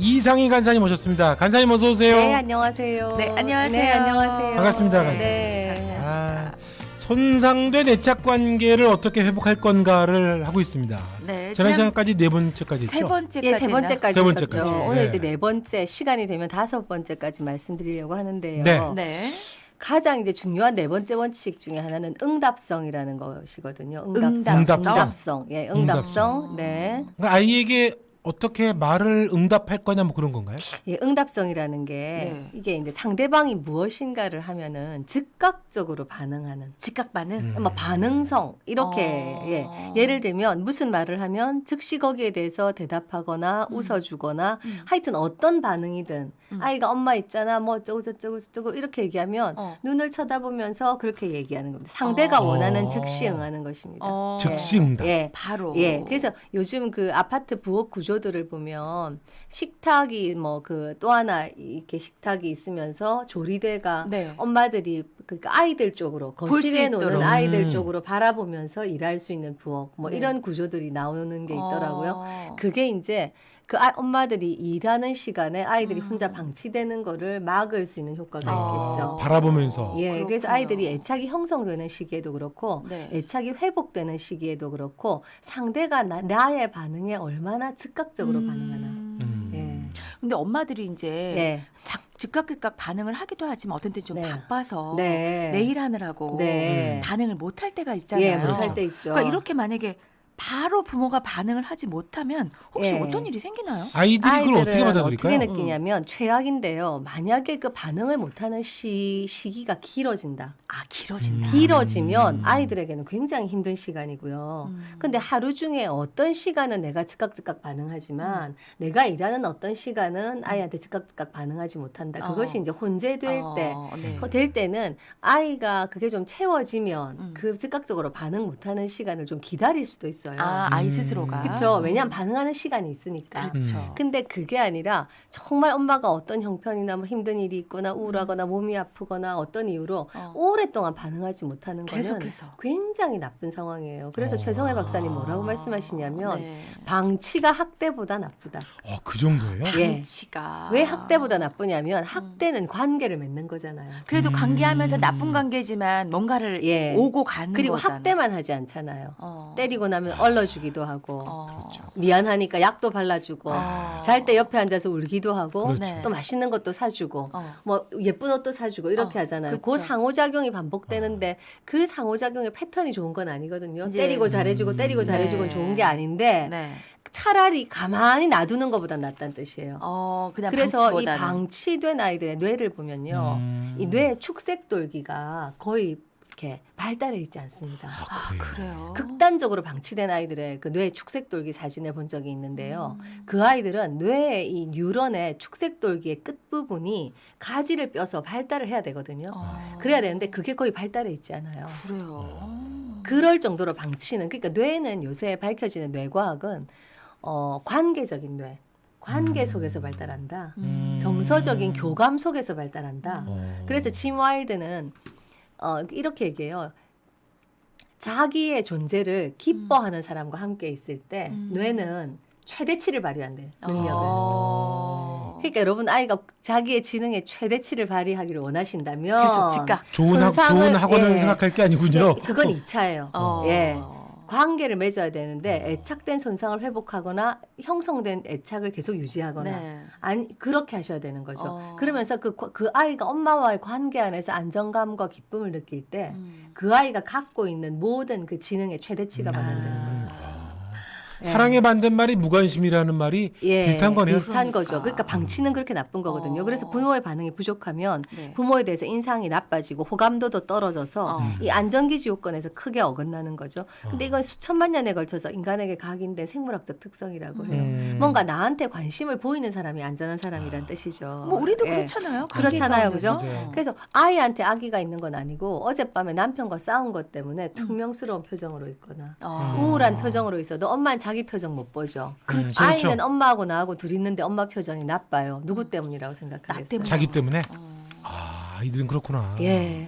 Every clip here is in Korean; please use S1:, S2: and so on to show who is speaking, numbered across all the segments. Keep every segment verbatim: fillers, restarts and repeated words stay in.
S1: 이상희 간사님 오셨습니다. 간사님 어서 오세요.
S2: 네, 안녕하세요.
S3: 네, 안녕하세요.
S2: 네, 안녕하세요.
S1: 반갑습니다, 간사님.
S2: 네.
S1: 아, 손상된 애착 관계를 어떻게 회복할 건가를 하고 있습니다.
S3: 네,
S1: 지난
S3: 지난
S1: 시간까지 네 번째까지
S3: 세
S1: 했죠.
S3: 번째까지
S2: 예, 세 번째까지
S1: 세
S2: 했었죠.
S1: 번째까지.
S2: 오늘
S1: 네.
S2: 이제 네 번째 시간이 되면 다섯 번째까지 말씀드리려고 하는데요.
S1: 네.
S3: 네.
S2: 가장 이제 중요한 네 번째 원칙 중에 하나는 응답성이라는 것이거든요.
S3: 응답성.
S2: 응답성. 예, 응답성. 네.
S1: 그러니까 아이에게 어떻게 말을 응답할 거냐 뭐 그런 건가요?
S2: 예, 응답성이라는 게
S3: 네.
S2: 이게 이제 상대방이 무엇인가를 하면은 즉각적으로 반응하는
S3: 즉각 반응.
S1: 음.
S2: 뭐 반응성 이렇게
S3: 어.
S2: 예. 예를 들면 무슨 말을 하면 즉시 거기에 대해서 대답하거나
S3: 음.
S2: 웃어주거나
S3: 음.
S2: 하여튼 어떤 반응이든
S3: 음.
S2: 아이가 엄마 있잖아 뭐 어쩌고 저쩌고 저쩌고 이렇게 얘기하면
S3: 어.
S2: 눈을 쳐다보면서 그렇게 얘기하는 겁니다. 상대가
S3: 어.
S2: 원하는 즉시 응하는 것입니다.
S3: 어.
S1: 즉시 응답.
S2: 예.
S3: 바로.
S2: 예, 그래서 요즘 그 아파트 부엌 구조들을 보면 식탁이 뭐 그 또 하나 이렇게 식탁이 있으면서 조리대가
S3: 네.
S2: 엄마들이 그러니까 아이들 쪽으로
S3: 수
S2: 거실에 노는
S3: 있도록.
S2: 아이들
S1: 음.
S2: 쪽으로 바라보면서 일할 수 있는 부엌 뭐
S3: 네.
S2: 이런 구조들이 나오는 게 있더라고요.
S3: 어.
S2: 그게 이제 그 아, 엄마들이 일하는 시간에 아이들이
S3: 음.
S2: 혼자 방치되는 거를 막을 수 있는 효과가
S3: 어.
S2: 있겠죠.
S1: 바라보면서.
S2: 예, 그래서
S3: 그렇구나.
S2: 아이들이 애착이 형성되는 시기에도 그렇고
S3: 네.
S2: 애착이 회복되는 시기에도 그렇고 상대가 나, 나의 반응에 얼마나 즉각적으로
S3: 음.
S2: 반응하나.
S1: 음.
S2: 예.
S3: 근데 엄마들이 이제
S2: 네.
S3: 작, 즉각 즉각 반응을 하기도 하지만 어떤 때는 좀
S2: 네.
S3: 바빠서
S2: 네.
S3: 내일 하느라고
S2: 네.
S3: 반응을 못 할 때가 있잖아요.
S2: 예, 못할
S1: 그렇죠.
S2: 때 있죠.
S3: 그러니까 이렇게 만약에 바로 부모가 반응을 하지 못하면 혹시
S2: 예.
S3: 어떤 일이 생기나요?
S1: 아이들이 그걸 어떻게
S2: 아이들은
S1: 받아들일까요?
S2: 어떻게 느끼냐면 최악인데요. 만약에 그 반응을 못하는 시, 시기가 길어진다.
S3: 아, 길어진다.
S1: 음.
S2: 길어지면 아이들에게는 굉장히 힘든 시간이고요.
S3: 음.
S2: 근데 하루 중에 어떤 시간은 내가 즉각 즉각 반응하지만 내가 일하는 어떤 시간은 아이한테 즉각 즉각 반응하지 못한다. 그것이
S3: 어.
S2: 이제 혼재될
S3: 어,
S2: 때.
S3: 네.
S2: 어, 될 때는 아이가 그게 좀 채워지면
S3: 음.
S2: 그 즉각적으로 반응 못하는 시간을 좀 기다릴 수도 있어요.
S3: 아, 아이
S1: 음.
S3: 스스로가.
S2: 그렇죠. 왜냐하면 반응하는 시간이 있으니까.
S3: 그렇죠.
S1: 음.
S2: 근데 그게 아니라 정말 엄마가 어떤 형편이나 뭐 힘든 일이 있거나 우울하거나 몸이 아프거나 어떤 이유로
S3: 어.
S2: 오랫동안 반응하지 못하는 거는
S3: 계속해서.
S2: 굉장히 나쁜 상황이에요. 그래서
S1: 어.
S2: 최성애 박사님 뭐라고 말씀하시냐면
S3: 네.
S2: 방치가 학대보다 나쁘다.
S1: 어, 그 정도예요?
S2: 예.
S3: 방치가.
S2: 왜 학대보다 나쁘냐면 학대는 관계를 맺는 거잖아요.
S3: 그래도
S1: 음.
S3: 관계하면서 나쁜 관계지만 뭔가를
S2: 예.
S3: 오고 가는
S2: 그리고
S3: 거잖아.
S2: 학대만 하지 않잖아요.
S3: 어.
S2: 때리고 나면 얼러주기도 하고
S3: 어.
S1: 그렇죠.
S2: 미안하니까 약도 발라주고
S3: 어.
S2: 잘 때 옆에 앉아서 울기도 하고
S1: 그렇죠.
S3: 네.
S2: 또 맛있는 것도 사주고
S3: 어.
S2: 뭐 예쁜 옷도 사주고 이렇게
S3: 어,
S2: 하잖아요. 그
S3: 그렇죠.
S2: 상호작용이 반복되는데 그 상호작용의 패턴이 좋은 건 아니거든요.
S3: 이제-
S2: 때리고 잘해주고 때리고
S1: 음.
S2: 잘해주고 는
S3: 네.
S2: 좋은 게 아닌데
S3: 네.
S2: 차라리 가만히 놔두는 것보단 낫다는 뜻이에요.
S3: 어, 그냥
S2: 그래서
S3: 방치보다는.
S2: 이 방치된 아이들의 뇌를 보면요.
S1: 음.
S2: 이 뇌 축색돌기가 거의 이렇게 발달해 있지 않습니다.
S3: 아, 그래요.
S2: 극단적으로 방치된 아이들의 그 뇌 축색돌기 사진을 본 적이 있는데요.
S3: 음.
S2: 그 아이들은 뇌의 이 뉴런의 축색돌기의 끝부분이 가지를 뼈서 발달을 해야 되거든요.
S3: 어.
S2: 그래야 되는데 그게 거의 발달해 있지 않아요.
S3: 그래요.
S2: 그럴 정도로 방치는 그러니까 뇌는 요새 밝혀지는 뇌과학은 어, 관계적인 뇌, 관계
S1: 음.
S2: 속에서 발달한다.
S3: 음.
S2: 정서적인 교감 속에서 발달한다.
S1: 어.
S2: 그래서 짐 와일드는 어, 이렇게 얘기해요. 자기의 존재를 기뻐하는 사람과 함께 있을 때
S3: 음.
S2: 뇌는 최대치를 발휘한대요. 능력을.
S3: 어.
S2: 그러니까 여러분 아이가 자기의 지능의 최대치를 발휘하기를 원하신다면
S3: 계속 즉각.
S1: 좋은, 학,
S2: 손상을-
S1: 좋은 학원을
S2: 예.
S1: 생각할 게 아니군요.
S2: 네, 그건 이 차예요.
S3: 어.
S2: 예. 관계를 맺어야 되는데
S1: 어.
S2: 애착된 손상을 회복하거나 형성된 애착을 계속 유지하거나
S3: 네.
S2: 아니 그렇게 하셔야 되는 거죠.
S3: 어.
S2: 그러면서 그, 그 아이가 엄마와의 관계 안에서 안정감과 기쁨을 느낄 때 그
S3: 음.
S2: 아이가 갖고 있는 모든 그 지능의 최대치가
S1: 음.
S2: 발현되는 거죠. 예.
S1: 사랑의 반대말이 무관심이라는 말이
S2: 예,
S1: 비슷한 거네요.
S2: 비슷한
S3: 그러니까.
S2: 거죠. 그러니까 방치는 그렇게 나쁜 거거든요.
S3: 어.
S2: 그래서 부모의 반응이 부족하면
S3: 네.
S2: 부모에 대해서 인상이 나빠지고 호감도도 떨어져서
S3: 어.
S2: 이 안전기지 요건에서 크게 어긋나는 거죠. 근데
S1: 어.
S2: 이건 수천만 년에 걸쳐서 인간에게 각인된 생물학적 특성이라고 해요.
S1: 음.
S2: 뭔가 나한테 관심을 보이는 사람이 안전한 사람이란 뜻이죠.
S3: 뭐 우리도
S2: 예.
S3: 그렇잖아요.
S2: 그렇잖아요,
S3: 관계가
S2: 그죠?
S3: 오면서.
S2: 그래서 아이한테 아기가 있는 건 아니고 어젯밤에 남편과 싸운 것 때문에 퉁명스러운 표정으로 있거나
S3: 어.
S2: 우울한 표정으로 있어도 엄마는 자기 표정 못 보죠.
S3: 그렇죠.
S2: 아이는 엄마하고 나하고 둘이 있는데 엄마 표정이 나빠요. 누구 때문이라고 생각하겠어요?
S3: 때문에.
S1: 자기 때문에?
S3: 어.
S1: 아, 아이들은 그렇구나.
S2: 예.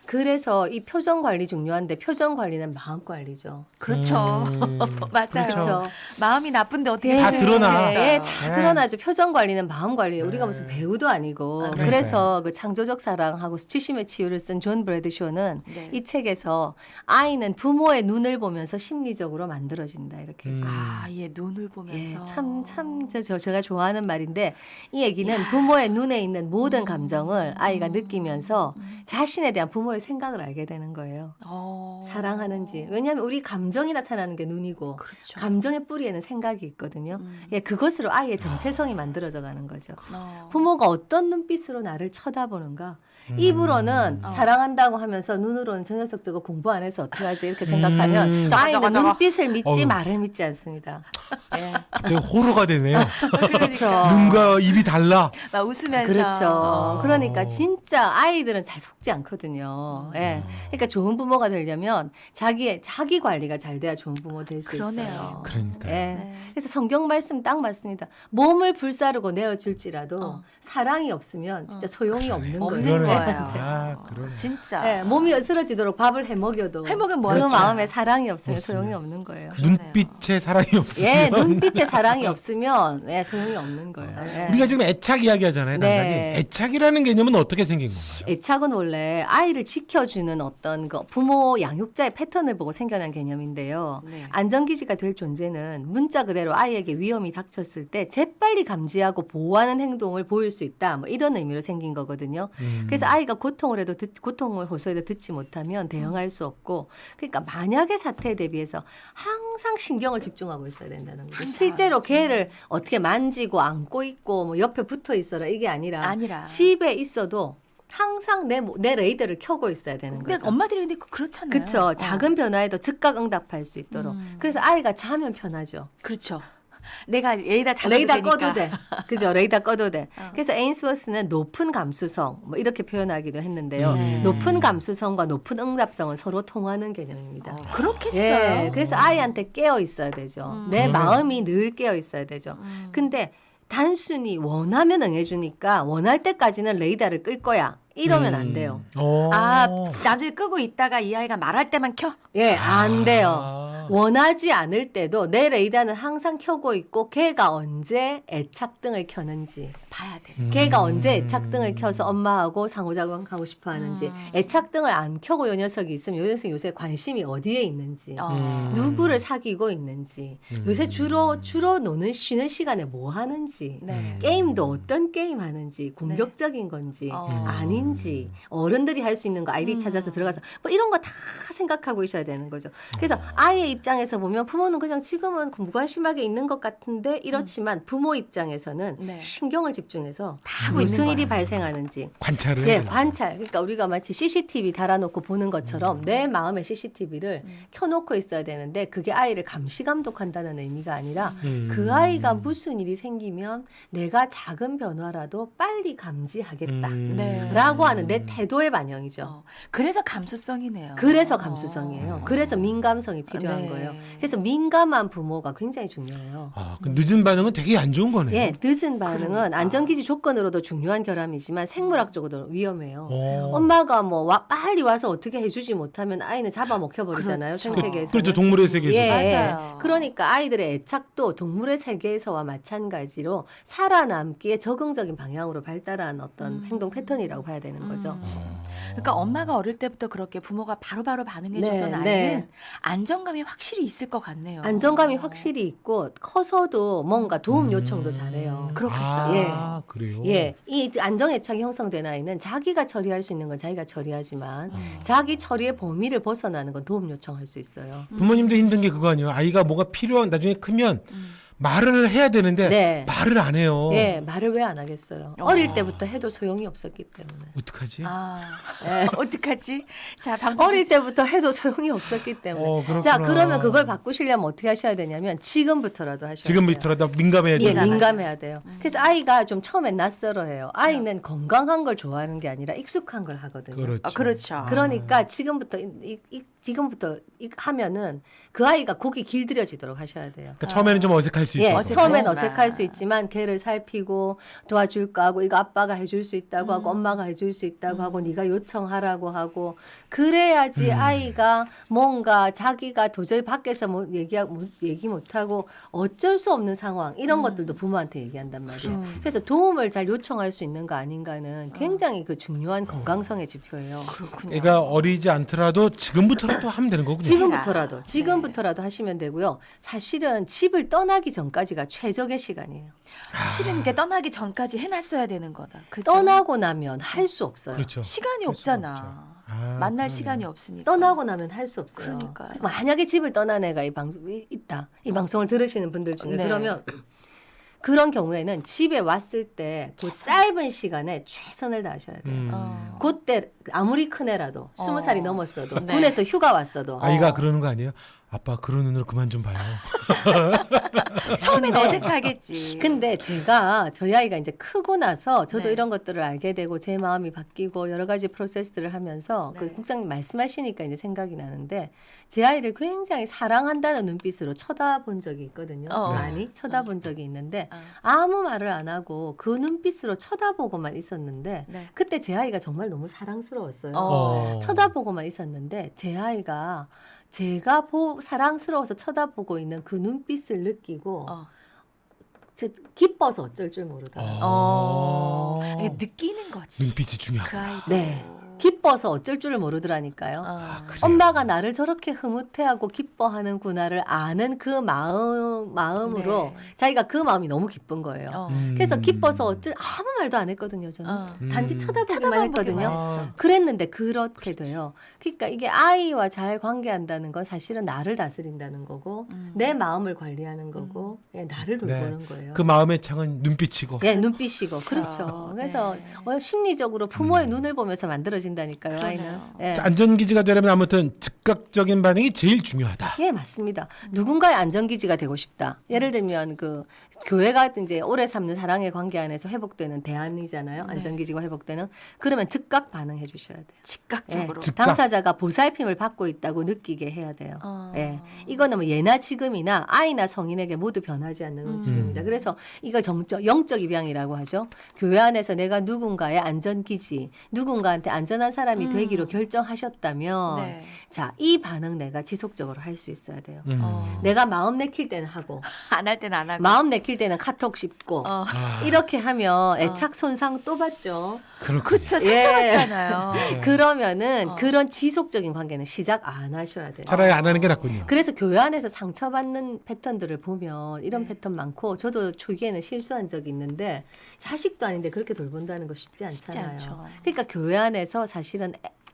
S2: 그래서 이 표정 관리 중요한데 표정 관리는 마음 관리죠.
S3: 그렇죠.
S1: 음,
S3: 맞아요.
S1: 그렇죠.
S3: 마음이 나쁜데 어떻게
S1: 다
S3: 표정이
S1: 드러나.
S3: 좋겠어요.
S2: 예, 다
S1: 네.
S2: 드러나죠. 표정 관리는 마음 관리예요. 우리가
S1: 네.
S2: 무슨 배우도 아니고.
S3: 아,
S2: 그래서 그 창조적 사랑하고 수치심의 치유를 쓴 존 브래드쇼는
S3: 네.
S2: 이 책에서 아이는 부모의 눈을 보면서 심리적으로 만들어진다 이렇게.
S1: 음.
S3: 아, 예, 눈을 보면서.
S2: 예, 참, 참, 저, 저, 제가 좋아하는 말인데, 이 얘기는 부모의 눈에 있는 모든 감정을 아이가 느끼면서 자신에 대한 부모의 생각을 알게 되는 거예요.
S3: 어.
S2: 사랑하는지. 왜냐하면 우리 감정이 나타나는 게 눈이고,
S3: 그렇죠.
S2: 감정의 뿌리에는 생각이 있거든요.
S3: 음.
S2: 예, 그것으로 아이의 정체성이 만들어져 가는 거죠.
S3: 어.
S2: 부모가 어떤 눈빛으로 나를 쳐다보는가.
S1: 음.
S2: 입으로는
S3: 어.
S2: 사랑한다고 하면서 눈으로는 저 녀석 저거 공부 안 해서 어떡하지 이렇게 생각하면
S1: 음.
S3: 저거,
S2: 아이는
S3: 저거, 저거.
S2: 눈빛을 믿지
S1: 어우.
S2: 말을 믿지 않습니다. 예.
S1: 되게 호러가 되네요.
S2: 그렇죠.
S1: 눈과 입이 달라.
S3: 막 웃으면서.
S2: 그렇죠.
S3: 어.
S2: 그러니까 진짜 아이들은 잘 속지 않거든요. 예. 그러니까 좋은 부모가 되려면 자기의 자기 관리가 잘 돼야 좋은 부모 될 수
S3: 그러네요.
S2: 있어요.
S1: 그러니까.
S2: 예.
S3: 네.
S2: 그래서 성경 말씀 딱 맞습니다. 몸을 불사르고 내어줄지라도
S3: 어.
S2: 사랑이 없으면 진짜 소용이 없는
S3: 없는
S2: 거예요.
S3: 거예요.
S2: 애한테.
S1: 아, 그러네.
S3: 진짜.
S2: 예, 몸이 쓰러지도록 밥을 해 먹여도
S3: 해먹으면
S2: 그
S3: 뭐하죠?
S2: 마음에 사랑이 없으면
S1: 없으면.
S2: 소용이 없는 거예요.
S1: 눈빛에 사랑이 없으면
S2: 예, 눈빛에 사랑이 없으면 예, 소용이 없는 거예요. 예.
S1: 우리가 지금 애착 이야기하잖아요.
S2: 네.
S1: 당장이. 애착이라는 개념은 어떻게 생긴 건가요?
S2: 애착은 원래 아이를 지켜주는 어떤 그 부모 양육자의 패턴을 보고 생겨난 개념인데요.
S3: 네.
S2: 안전기지가 될 존재는 문자 그대로 아이에게 위험이 닥쳤을 때 재빨리 감지하고 보호하는 행동을 보일 수 있다. 뭐 이런 의미로 생긴 거거든요.
S1: 음.
S2: 그래서 아이가 고통을 해도 듣, 고통을 호소해도 듣지 못하면 대응할 수 없고, 그러니까 만약의 사태에 대비해서 항상 신경을 집중하고 있어야 된다는 거죠.
S3: 항상.
S2: 실제로 걔를 어떻게 만지고 안고 있고 뭐 옆에 붙어 있어라 이게 아니라
S3: 아니라.
S2: 집에 있어도 항상 내, 모- 내 레이더를 켜고 있어야 되는
S3: 근데
S2: 거죠.
S3: 엄마들이 근데 그렇잖아요.
S2: 그렇죠.
S3: 어.
S2: 작은 변화에도 즉각 응답할 수 있도록.
S3: 음.
S2: 그래서 아이가 자면 편하죠.
S3: 그렇죠. 내가 레이더 잡아도
S2: 레이더
S3: 되니까.
S2: 꺼도 돼. 그죠? 레이더 꺼도 돼.
S3: 어.
S2: 그래서 에인스워스는 높은 감수성 뭐 이렇게 표현하기도 했는데요.
S1: 음.
S2: 높은 감수성과 높은 응답성은 서로 통하는 개념입니다.
S3: 어, 그렇겠어요.
S2: 예, 그래서 아이한테 깨어 있어야 되죠.
S3: 음.
S2: 내
S1: 그러네.
S2: 마음이 늘 깨어 있어야 되죠.
S3: 음.
S2: 근데 단순히 원하면 응해주니까 원할 때까지는 레이더를 끌 거야. 이러면 안 돼요.
S1: 어.
S3: 아, 나중에 끄고 있다가 이 아이가 말할 때만 켜?
S2: 예, 안 돼요.
S1: 아.
S2: 원하지 않을 때도 내 레이더는 항상 켜고 있고 걔가 언제 애착등을 켜는지,
S3: 봐야 돼.
S1: 음.
S2: 걔가 언제 애착등을 켜서 엄마하고 상호작용하고 싶어 하는지,
S3: 음.
S2: 애착등을 안 켜고 요 녀석이 있으면 요 녀석이 요새 관심이 어디에 있는지,
S3: 어.
S1: 음.
S2: 누구를 사귀고 있는지,
S1: 음.
S2: 요새 주로 주로 노는 쉬는 시간에 뭐 하는지,
S3: 네.
S2: 게임도 어떤 게임 하는지, 공격적인 건지
S3: 어.
S2: 아닌지, 어른들이 할 수 있는 거 아이디
S3: 음.
S2: 찾아서 들어가서 뭐 이런 거 다 생각하고 있어야 되는 거죠. 그래서 아이의 입장에서 보면 부모는 그냥 지금은 무관심하게 있는 것 같은데 이렇지만 부모 입장에서는
S3: 네.
S2: 신경을 집중해서
S3: 다 하고 있는
S2: 무슨 일이
S3: 거야.
S2: 발생하는지
S1: 관찰을
S2: 예,
S1: 해야 되나?
S2: 관찰. 그러니까 우리가 마치 씨씨티비 달아놓고 보는 것처럼 내 마음의 씨씨티비를
S3: 음.
S2: 켜놓고 있어야 되는데 그게 아이를 감시 감독한다는 의미가 아니라
S1: 음.
S2: 그 아이가 무슨 일이 생기면 내가 작은 변화라도 빨리 감지하겠다.
S1: 음.
S3: 네.
S2: 라고 하는 내 태도의 반영이죠.
S3: 어. 그래서 감수성이네요.
S2: 그래서
S3: 어.
S2: 감수성이에요. 그래서 민감성이 필요한
S3: 네.
S2: 거예요. 그래서 민감한 부모가 굉장히 중요해요.
S1: 아, 그 늦은 반응은 되게 안 좋은 거네요.
S2: 예, 늦은 반응은
S3: 그러니까.
S2: 안전기지 조건으로도 중요한 결함이지만 생물학적으로도 위험해요.
S1: 어.
S2: 엄마가 뭐 와, 빨리 와서 어떻게 해주지 못하면 아이는 잡아먹혀 버리잖아요.
S3: 그렇죠.
S2: 생태계에서.
S1: 그렇죠. 동물의 세계에서.
S2: 예,
S3: 맞아요.
S2: 그러니까 아이들의 애착도 동물의 세계에서와 마찬가지로 살아남기에 적응적인 방향으로 발달한 어떤
S3: 음.
S2: 행동 패턴이라고 봐야 되는 거죠.
S3: 음.
S1: 어.
S3: 그러니까 엄마가 어릴 때부터 그렇게 부모가 바로바로 반응해줬던
S2: 네,
S3: 아이는
S2: 네.
S3: 안정감이 확실히 있을 것 같네요.
S2: 안정감이 확실히 있고 커서도 뭔가 도움 요청도
S1: 음.
S2: 잘해요.
S3: 그렇겠어요.
S1: 아, 그래요?
S2: 예, 이 안정애착이 형성된 아이는 자기가 처리할 수 있는 건 자기가 처리하지만
S1: 음.
S2: 자기 처리의 범위를 벗어나는 건 도움 요청할 수 있어요.
S1: 부모님도 힘든 게 그거 아니에요. 아이가 뭐가 필요한 나중에 크면
S3: 음.
S1: 말을 해야 되는데
S2: 네.
S1: 말을 안 해요.
S2: 예, 말을 왜 안 하겠어요?
S3: 어.
S2: 어릴 때부터 해도 소용이 없었기 때문에.
S1: 어떡하지?
S3: 아,
S2: 예.
S3: 어떡하지? 자, 방송
S2: 어릴 때부터 해도 소용이 없었기 때문에.
S1: 어, 그렇구나.
S2: 자, 그러면 그걸 바꾸시려면 어떻게 하셔야 되냐면 지금부터라도 하셔야 돼요.
S1: 지금부터라도 민감해야
S2: 예,
S1: 돼요.
S3: 민감하죠.
S2: 민감해야 돼요. 그래서 아이가 좀 처음엔 낯설어해요. 아이는 건강한 걸 좋아하는 게 아니라 익숙한 걸 하거든요.
S1: 그렇죠.
S3: 아, 그렇죠.
S2: 그러니까 지금부터 이, 이, 이- 지금부터 이- 하면은 그 아이가 곡이 길들여지도록 하셔야 돼요.
S1: 그러니까 처음에는 좀 어색할 수
S2: 예,
S1: 있어요.
S3: 어색하지만.
S2: 처음엔 어색할 수 있지만 걔를 살피고 도와줄까 하고 이거 아빠가 해줄 수 있다고 하고
S3: 음.
S2: 엄마가 해줄 수 있다고
S3: 음.
S2: 하고 네가 요청하라고 하고 그래야지
S1: 음.
S2: 아이가 뭔가 자기가 도저히 밖에서 뭐 얘기 못 얘기 못하고 어쩔 수 없는 상황 이런
S3: 음.
S2: 것들도 부모한테 얘기한단 말이에요.
S3: 음.
S2: 그래서 도움을 잘 요청할 수 있는 거 아닌가는 굉장히 그 중요한 건강성의 지표예요.
S3: 그렇군요.
S1: 애가 어리지 않더라도 지금부터라도 하면 되는 거군요.
S2: 지금부터라도
S3: 네.
S2: 지금부터라도 하시면 되고요. 사실은 집을 떠나기 전까지가 최적의 시간이에요.
S3: 실은 이게 떠나기 전까지 해놨어야 되는 거다. 그죠?
S2: 떠나고 나면 할 수 없어요.
S1: 그렇죠.
S3: 시간이
S1: 할 수가
S3: 없잖아.
S1: 없죠. 아,
S3: 만날
S1: 그러네.
S3: 시간이 없으니까.
S2: 떠나고 나면 할 수 없어요.
S3: 그러니까요.
S2: 만약에 집을 떠난 애가 이 방송이 있다. 이 방송을 들으시는 분들 중에
S3: 네.
S2: 그러면 그런 경우에는 집에 왔을 때 그 짧은 시간에 최선을 다하셔야 돼요.
S1: 음.
S3: 어.
S2: 그때 아무리 큰 애라도
S3: 어.
S2: 스무 살이 넘었어도
S3: 네.
S2: 군에서 휴가 왔어도
S1: 아이가
S3: 어.
S1: 그러는 거 아니에요? 아빠 그런 눈으로 그만 좀 봐요.
S3: 처음엔
S2: 근데-
S3: 어색하겠지.
S2: 근데 제가 저희 아이가 이제 크고 나서 저도
S3: 네.
S2: 이런 것들을 알게 되고 제 마음이 바뀌고 여러 가지 프로세스를 하면서
S3: 네.
S2: 그 국장님 말씀하시니까 이제 생각이 나는데 제 아이를 굉장히 사랑한다는 눈빛으로 쳐다본 적이 있거든요.
S3: 어.
S2: 많이 쳐다본 적이 있는데
S3: 어.
S2: 아무 말을 안 하고 그 눈빛으로 쳐다보고만 있었는데
S3: 네.
S2: 그때 제 아이가 정말 너무 사랑스러웠어요.
S3: 어.
S2: 쳐다보고만 있었는데 제 아이가 제가 보, 사랑스러워서 쳐다보고 있는 그 눈빛을 느끼고
S3: 어.
S2: 제- 기뻐서 어쩔 줄 모르더라고요.
S3: 어.
S1: 어.
S3: 이게 느끼는 거지.
S1: 눈빛이 중요하고.
S3: 그 아이도.
S2: 네. 기뻐서 어쩔 줄을 모르더라니까요.
S3: 어.
S1: 그래요?
S2: 엄마가 나를 저렇게 흐뭇해하고 기뻐하는구나를 아는 그 마음 마음으로
S3: 네.
S2: 자기가 그 마음이 너무 기쁜 거예요.
S3: 어.
S1: 음.
S2: 그래서 기뻐서 어쩔 아무 말도 안 했거든요. 저는
S3: 어.
S2: 단지
S1: 음.
S2: 쳐다보기만
S3: 쳐다만
S2: 했거든요.
S3: 보기만
S1: 아.
S3: 했어.
S2: 그랬는데 그렇게 돼요. 그러니까 이게 아이와 잘 관계한다는 건 사실은 나를 다스린다는 거고
S3: 음.
S2: 내 마음을 관리하는 거고 예, 나를 돌보는 거예요.
S1: 그 마음의 창은 눈빛이고.
S2: 예, 눈빛이고
S3: 그렇죠.
S2: 그렇죠. 그래서
S3: 네.
S2: 어, 심리적으로 부모의
S1: 음.
S2: 눈을 보면서 만들어진다니까요.
S3: 그러네요.
S2: 아이는. 예.
S1: 안전기지가 되려면 아무튼 즉각적인 반응이 제일 중요하다.
S2: 예, 맞습니다. 누군가의 안전기지가 되고 싶다. 예를 들면 그 교회가 이제 오래 삼는 사랑의 관계 안에서 회복되는 대안이잖아요.
S3: 네.
S2: 안전기지가 회복되는. 그러면 즉각 반응해 주셔야 돼요.
S3: 즉각적으로.
S2: 예,
S1: 즉각.
S2: 당사자가 보살핌을 받고 있다고 느끼게 해야 돼요.
S3: 어.
S2: 예, 이거는 뭐 예나 지금이나 아이나 성인에게 모두 변하지 않는
S3: 음.
S2: 움직임입니다. 그래서 이거 정적, 영적 입양이라고 하죠. 교회 안에서 내가 누군가의 안전기지, 누군가한테 안전한 사람이
S3: 음.
S2: 되기로 결정하셨다면,
S3: 네.
S2: 자, 이 반응 내가 지속적으로 할 수 있어야 돼요.
S1: 음.
S3: 어.
S2: 내가 마음 내킬 때는 하고,
S3: 안 할 때는 안 하고.
S2: 마음 내킬 때는 카톡 씹고,
S3: 어.
S1: 아,
S2: 이렇게 하면 애착 손상 또 받죠.
S1: 그렇군요.
S3: 그쵸.
S2: 예.
S3: 상처받잖아요.
S1: 네.
S2: 그러면은
S3: 어.
S2: 그런 지속적인 관계는 시작 안 하셔야 돼요.
S1: 차라리 안 하는 게 낫군요.
S2: 그래서 교회 안에서 상처받는 패턴들을 보면 이런
S3: 네.
S2: 패턴 많고 저도 초기에는 실수한 적이 있는데 자식도 아닌데 그렇게 돌본다는 거 쉽지
S3: 쉽지
S2: 않잖아요.
S3: 않죠.
S2: 그러니까 교회 안에서 사실은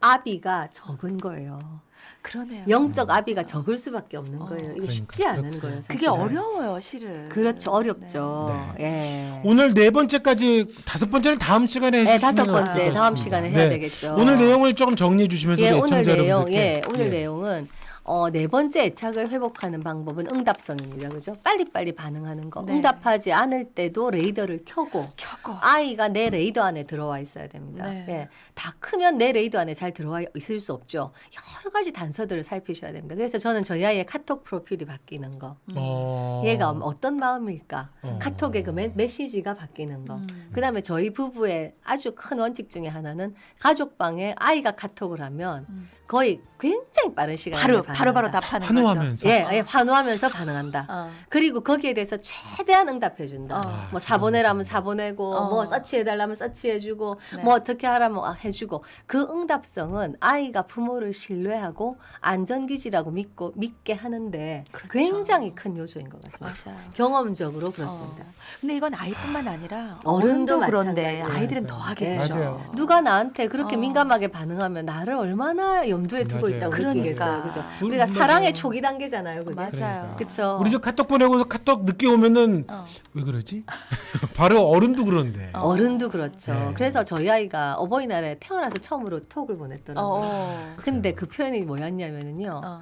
S2: 아비가 적은 거예요.
S3: 그러네요.
S2: 영적 아비가 적을 수밖에 없는
S3: 어.
S2: 거예요. 이게
S1: 그러니까,
S2: 쉽지 않은
S1: 그렇구나.
S2: 거예요.
S3: 그게
S2: 사실은.
S3: 어려워요, 실은.
S2: 그렇죠. 어렵죠.
S1: 네.
S2: 예.
S1: 오늘 네 번째까지 다섯 번째는 다음 시간에
S2: 네,
S1: 해주시면
S2: 다섯 번째
S1: 어떨까
S2: 다음
S1: 싶습니다.
S2: 시간에 해야
S1: 네.
S2: 되겠죠.
S1: 오늘 내용을 조금 정리해 주시면서
S2: 예,
S1: 우리
S2: 오늘
S1: 애청자
S2: 내용,
S1: 여러분들께
S2: 예, 오늘
S1: 예.
S2: 내용은 어, 네 번째 애착을 회복하는 방법은 응답성입니다. 그죠? 빨리빨리 반응하는 거.
S3: 네.
S2: 응답하지 않을 때도 레이더를 켜고
S3: 켜고.
S2: 아이가 내 레이더 안에 들어와 있어야 됩니다.
S3: 네.
S2: 예, 다 크면 내 레이더 안에 잘 들어와 있을 수 없죠. 여러 가지 단서들을 살피셔야 됩니다. 그래서 저는 저희 아이의 카톡 프로필이 바뀌는 거.
S3: 음.
S1: 어.
S2: 얘가 어떤 마음일까?
S1: 어.
S2: 카톡의 그 메, 메시지가 바뀌는 거.
S3: 음.
S2: 그다음에 저희 부부의 아주 큰 원칙 중에 하나는 가족방에 아이가 카톡을 하면
S3: 음.
S2: 거의 굉장히 빠른 시간에
S3: 바로
S2: 반응한다.
S3: 바로 바로 답하는
S1: 환호하면서.
S2: 예, 예, 환호하면서 반응한다.
S3: 거죠. 어.
S2: 그리고 거기에 대해서 최대한 응답해준다.
S3: 어.
S2: 뭐 사보내라면 사보내고,
S3: 어.
S2: 뭐 서치해달라면 서치해주고,
S3: 네.
S2: 뭐 어떻게 하라면 아, 해주고. 그 응답성은 아이가 부모를 신뢰하고 안전기지라고 믿고 믿게 하는데
S3: 그렇죠.
S2: 굉장히 큰 요소인 것 같습니다.
S3: 맞아요.
S2: 경험적으로 그렇습니다.
S3: 어. 근데 이건 아이뿐만 아니라
S2: 어른도
S3: 어른도 그런데
S2: 마찬가지예요.
S3: 아이들은 더 하겠죠.
S1: 맞아요.
S2: 누가 나한테 그렇게
S3: 어.
S2: 민감하게 반응하면 나를 얼마나 염두에 두고
S1: 맞아요.
S2: 있다고
S3: 그러니까.
S2: 느끼겠어요. 그죠?
S1: 음,
S2: 우리가
S1: 맞아요.
S2: 사랑의 초기 단계잖아요. 그게.
S3: 맞아요.
S1: 그러니까.
S2: 그쵸?
S1: 우리 저 카톡 보내고 카톡 늦게 오면은
S3: 어.
S1: 왜 그러지? 바로 어른도 그런데.
S3: 어.
S2: 어른도 그렇죠.
S1: 네.
S2: 그래서 저희 아이가 어버이날에 태어나서 처음으로 톡을 보냈더라고요.
S3: 어.
S2: 근데 그 표현이 뭐였냐면은요.
S3: 어.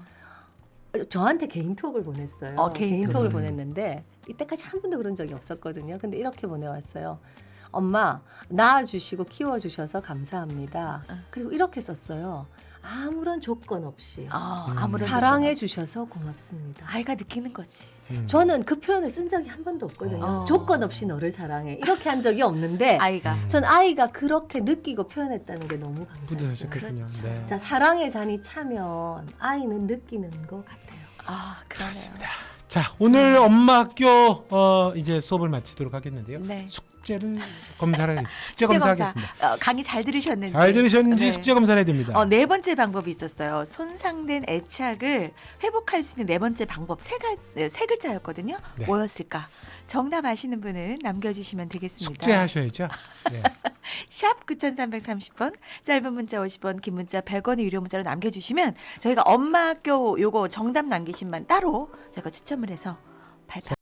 S2: 저한테 개인톡을 보냈어요.
S3: 어, 개인톡.
S2: 개인톡을
S1: 음.
S2: 보냈는데 이때까지 한 번도 그런 적이 없었거든요. 근데 이렇게 보내왔어요. 엄마 낳아주시고 키워주셔서 감사합니다.
S3: 어.
S2: 그리고 이렇게 썼어요. 아무런 조건 없이
S3: 어,
S1: 음.
S3: 아무런
S2: 사랑해
S3: 조건 없이.
S2: 주셔서 고맙습니다.
S3: 아이가 느끼는 거지.
S1: 음.
S2: 저는 그 표현을 쓴 적이 한 번도 없거든요.
S3: 어.
S2: 조건 없이 너를 사랑해 이렇게 한 적이 없는데
S3: 아이가
S1: 음.
S2: 전 아이가 그렇게 느끼고 표현했다는 게 너무 감사했어요.
S1: 뿌듯하셨겠군요.
S3: 그렇죠.
S1: 네.
S2: 자, 사랑의 잔이 차면 아이는 느끼는 것 같아요.
S3: 아 그러네요.
S1: 그렇습니다. 자, 오늘 엄마 학교 어, 이제 수업을 마치도록 하겠는데요.
S3: 네.
S1: 숙제를 검사를 하겠습니다. 숙제
S3: 숙제 검사.
S1: 검사하겠습니다.
S3: 어, 강의 잘 들으셨는지.
S1: 잘 들으셨는지
S3: 네.
S1: 숙제 검사를 해야 됩니다.
S3: 어, 네 번째 방법이 있었어요. 손상된 애착을 회복할 수 있는 네 번째 방법 세, 가, 네, 세 글자였거든요.
S1: 네.
S3: 뭐였을까? 정답 아시는 분은 남겨주시면 되겠습니다.
S1: 숙제하셔야죠. 네.
S3: 샵 구천삼백삼십 번, 짧은 문자 오십 원, 긴 문자 백 원의 유료 문자로 남겨주시면 저희가 엄마 학교 요거 정답 남기신 분 따로 저희가 추첨을 해서 발표.